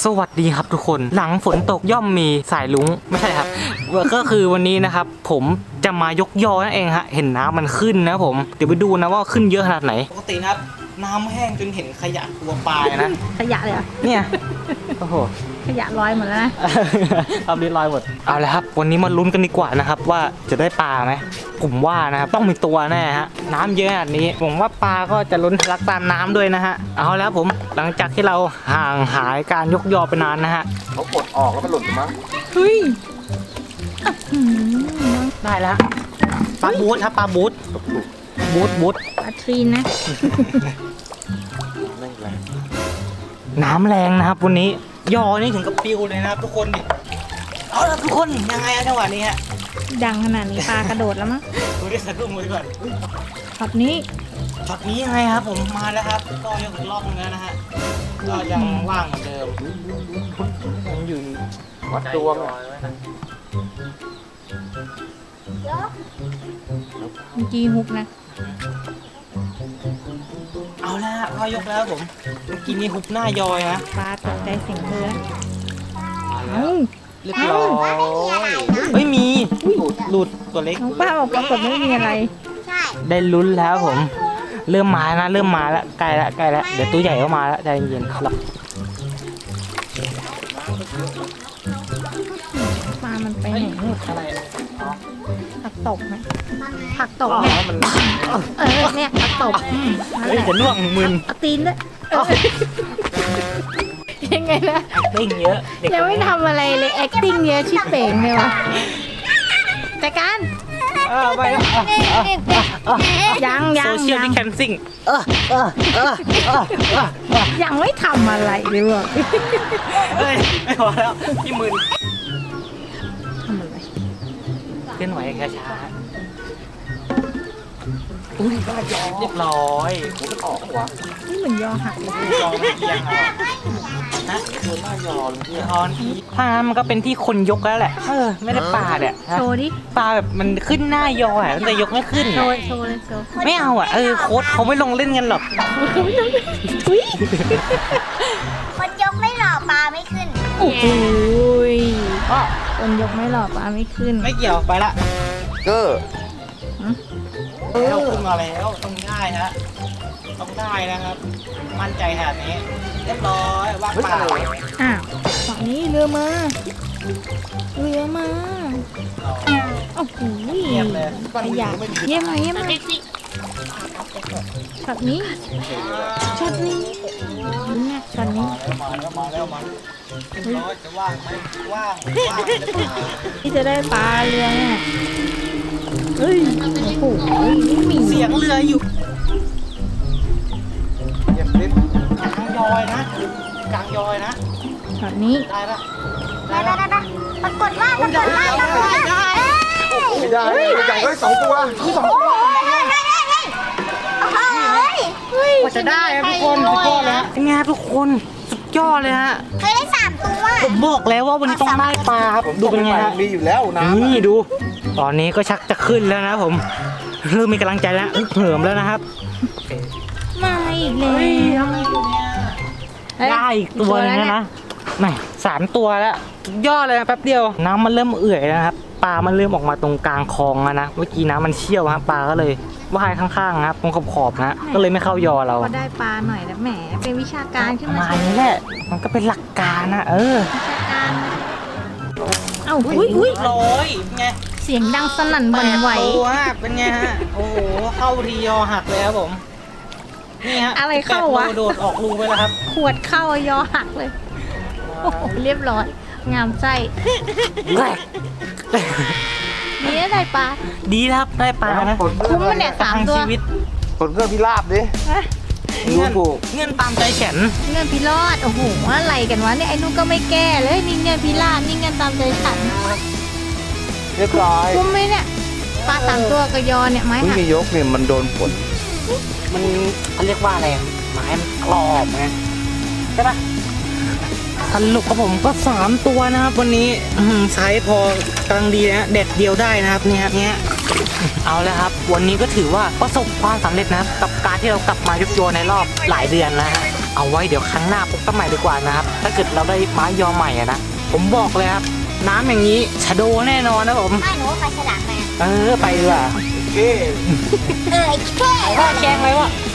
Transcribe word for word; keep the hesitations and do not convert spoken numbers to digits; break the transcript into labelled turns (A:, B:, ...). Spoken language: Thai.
A: สวัสดีครับทุกคนหลังฝนตกย่อมมีสายลุงไม่ใช่ครับก็คือวันนี้นะครับผมจะมายกยอนั่นเองฮะเห็นน้ำมันขึ้นนะผมเดี๋ยวไปดูนะว่าขึ้นเยอะขนาดไหนปกติครับน้ำแห้งจนเห็นขยะตัวปลานะ
B: ขยะเลยเหรอ
A: เนี่ยโอ้โห
B: ขยะลอยหมดแล้วนะ
A: ทำดีลอยหมดเอาละครับวันนี้มาลุ้นกันดีกว่านะครับว่าจะได้ปลาไหมผมว่านะครับต้องมีตัวแน่ฮะน้ำเยอะขนาดนี้ผมว่าปลาก็จะล้นทะลักตามน้ำด้วยนะฮะเอาแล้วผมหลังจากที่เราห่างหายการยกยอไปนานนะฮะ
C: เขากดออกแล้วมันหล่นมั้ง
B: เฮ้ย
A: ได้แล้วปลาบูทครับปลาบูทบูทบูท
B: ปลาทรีนนะ
A: น้ำแรงนะครับวันนี้ยอนี่ถึงกับปิวเลยนะครับทุกคนดิเอาละทุกคนยังไงจังหวะนี้ฮะ
B: ดังขนาดนี้ปลากระโดดแล้วมั้ง
A: ดูดิสะดุ้งเลยก่อน
B: ช็อตนี้
A: ช็อตนี้ยังไงครับผมมาแล้วครับก็ยังอีกรอบนึงแล้วนะฮะก็ยังว่างเหมือนเดิมยังอยู่
C: วัดดวง
A: เ
B: มื่อกี้ฮุกนะ
A: เอาละพอยกแล้วผมเมื่อกี้มีฮุบหน้ายอยนะ
B: ปลาตกใจเสียงเธอเอ้า
A: เรียบร้อยไม่มีหลุดหลุดตัวเล็ก
B: น้องป้าบอกปรากฏไม่มีอะไร
A: ได้ลุ้นแล้วผมเริ่มมานะเริ่มมาแล้วใกล้แล้วใกล้แล้วเดี๋ยวตัวใหญ่ก็มาแล้วใจเย็นครับ
B: ปลามันไปไหนหมดอะไรผักตบไหมผักตบ
A: เนี่ย
B: เออเนี่ยผักตบ
A: เฮ้ยจะน่วงมึน
B: เอาตีนด้วยยังไงนะ
A: acting เยอะ
B: ยังไม่ทำอะไรเลย acting เยอะชิบเป่งเลยวะจัดการ
A: ไป
B: ยังยัง
A: social distancing
B: ยังไม่ทำอะไรเลยวะ
A: เฮ้ยไม่พอแล้วพี่มึน
B: ทำอะไร
A: เคลื่อนไหวช้าช้าอุ้ยเรียบร้อยผมก็ออกหัว
B: นี่เหมือนยอหักเลย
A: ยอเอียงเอานะโดนหน้ายอลงที่ออนถ้ามันก็เป็นที่คนยกแล้วแหละเออไม่ได้ปลาเนี่ย
B: โชว์ดิ
A: ปลาแบบมันขึ้นหน้ายออ่ะมันจะยกไม่ขึ้น
B: โชว์โชว์เลยโชว์
A: ไม่เอาอ่ะเออโค้ชเขาไม่ลงเล่นกันหรอก
D: คนยกไม่หล่อปลาไม่ขึ้น
B: โอ้โหคนยกไม่หล่อปลาไม่ขึ้น
A: ไม่เกี่ยวไปละ
C: เก้อ
A: เราขึ้นมาแล้วต้องได้ฮะต้องได้นะครับมั่นใจขนาดนี้เรียบร้อยว่างเปล่า
B: อ้าวฝั่งนี้เรือมาเรือมาโอ้โห
A: เยี่ยมเลย
B: ขยะเยี่ยมมาเยี่ยมมาช็อตนี้ช็อตนี้เนี่ยช็อตนี้
A: มาแล้วมาแล้วมาเรียบร้อยจะว่างไหมว่างว่าง
B: ที่จะได้ปลาเรือเนี่ยเฮ้ยโอ้โหนี่มี
A: เสียงเรืออยู่
C: เยี่ยมลิฟ
A: กลางยอยนะกลางยอยนะ
B: ช็อตนี้
A: ได้ปะ
D: ได้ได้ได้ปรากฏว่าปรากฏว่าปรากฏว่า
C: ไม่ได้ใหญ่ก็สองตัวสองตัว
A: ว่าจะได้ครับทุกคนสุดยอดแล้วเป็นไงทุกคนสุดยอดเลยฮะ
D: เคยได้สามตัว
A: ผมบอกแล้วว่าวันนี้ต้องได้ปลาครับดูเป็นไงฮะ
C: มีอยู่แล้วนะ
A: นี่ดูตอนนี้ก็ชักจะขึ้นแล้วนะผมเริ่มมีกำลังใจแล้วเหิมแล้วนะครับ
B: มาอีกเลย
A: ได้อีกตัวนึงนะไม่สามตัวแล้วยอดเลยนะแป๊บเดียวน้ำมันเริ่มเอื่อยแล้วครับปลามันเริ่มออกมาตรงกลางคลองแล้วนะเมื่อกี้น้ำมันเชี่ยวครับปลาก็เลยว่ายข้างๆครับตรงขอบๆนะก็เลยไม่เข้ายอเรา
B: ก็ได้ปลาหน่อยนะแหมเป็นวิชาการขึ้นมา
A: นี่แหละมันก็เป็นหลักการนะเออ
B: วิชาการเอ้าอุ้ยอุ้ย
A: ร้อยไง
B: เสียงดังสนั่นบันไหว
A: ตัวเป็นไงฮะโอ้โหเข้าทียอหักเลยครับผมนี่ฮะ
B: อะไรเข้าวะ
A: โดดออกรูไปแล้วครับ
B: ขวดเข้ายอหักเลยโอ้โหเรียบร้อยงามไส้ดีได้ปลา
A: ดีครับได้ปลานะ
B: คุ้มมันเนี่ยสามตัว
C: ผลเงื่อนพิราบดิ
A: เงื่อนเงื่อนตามใจฉัน
B: เงื่อนพิรอดโอ้โหอะไรกันวะเนี่ยไอ้นุ๊กก็ไม่แก้เลยนี่เงื่อนพิราบนี่เงื่อนตามใจฉัน
C: เรียบร้อย
B: คุ้มไหมเนี่ยปลาสามตัวกระยอเนี่ยไม้
C: หักมียกเนี่ยมันโดนฝน
A: มันเขาเรียกว่าอะไรไม้มันกรอบไงใช่ปะสรุปครับผมก็สามตัวนะครับวันนี้ไซส์พอกำลังดีนะเด็ดเดียวได้นะครับเนี่ยเนี้ยเอาแล้วครับวันนี้ก็ถือว่าประสบความสำเร็จนะครับกับการที่เรากลับมายกโยในรอบหลายเดือนแล้วฮะเอาไว้เดี๋ยวครั้งหน้าพบกันใหม่ดีกว่านะครับถ้าเกิดเราได้ไม้ยอใหม่อะนะผมบอกเลยครับน้ำอย่างนี้ชะโดแน่นอนนะผม
D: ไม่หนูว่าไปฉลามมา
A: เออไปดีกว่า
C: โอเค
D: เออไอ้แค่
A: พ่อแกงเลยวะ